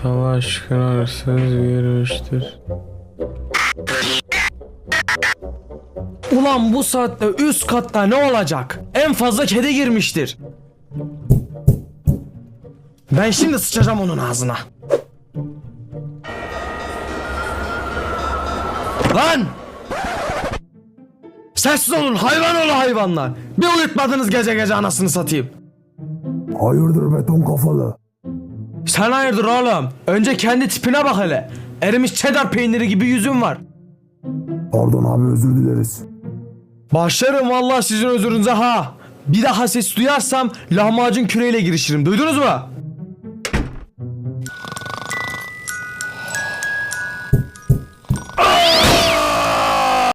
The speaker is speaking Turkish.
Tava aşkına hırsız girmiştir. Ulan bu saatte üst katta ne olacak? En fazla kedi girmiştir. Ben şimdi sıçacağım onun ağzına. Lan! Sessiz olun hayvan oğlu hayvanlar. Bir uyutmadınız gece gece anasını satayım. Hayırdır beton kafalı? Sen hayırdır oğlum? Önce kendi tipine bak hele. Erimiş cheddar peyniri gibi yüzün var. Pardon abi, özür dileriz. Başlarım vallahi sizin özürünüze ha. Bir daha ses duyarsam lahmacun küreğiyle girişirim. Duydunuz mu?